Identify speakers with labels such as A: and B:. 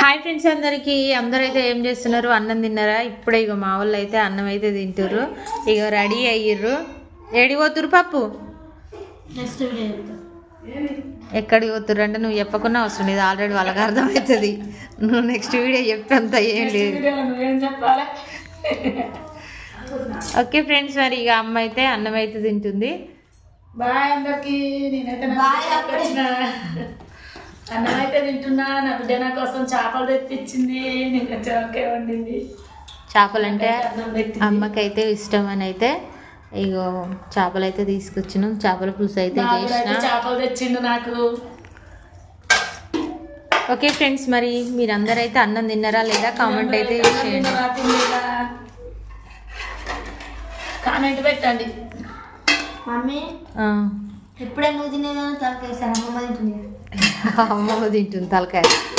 A: Hi friends, అందరైతే ఏం చేస్తున్నారు? అన్నం తిన్నారా? ఇప్పుడే ఇక మా వాళ్ళు అయితే అన్నం అయితే తింటారు. ఇక రెడీ అయ్యిర్రు. ఏడి పోతురు పప్పు? ఎక్కడికి పోతుర్రు అంటే నువ్వు చెప్పకుండా అవసరం లేదు, ఆల్రెడీ వాళ్ళకి అర్థమవుతుంది. నువ్వు నెక్స్ట్ వీడియో చెప్పంత ఏం లేదు. ఓకే ఫ్రెండ్స్, మరి ఇక అమ్మ అయితే అన్నం అయితే తింటుంది.
B: బాయ్ అందరికి. నేనైతే అన్నం అయితే తింటున్నా. నా బిడ్డ నా కోసం చేపలు తెప్పించింది. నేను చోకే వండింది.
A: చేపలు అంటే అమ్మకైతే ఇష్టం అని అయితే ఇగో చేపలు అయితే తీసుకొచ్చినాం. చేపల పులుసు అయితే చేసిన.
B: చేపలు తెచ్చిండు నాకు.
A: ఓకే ఫ్రెండ్స్, మరి మీరందరూ అయితే అన్నం తిన్నారా లేదా కామెంట్ అయితే చేయండి.
B: కామెంట్ పెట్టండి.
C: మమ్మీ ఎప్పుడే నువ్వు తినేదాన్ని తలకేసాను. అమ్మమ్మ తింటుంది.
A: అమ్మమ్మ తింటుంది తలకాయ.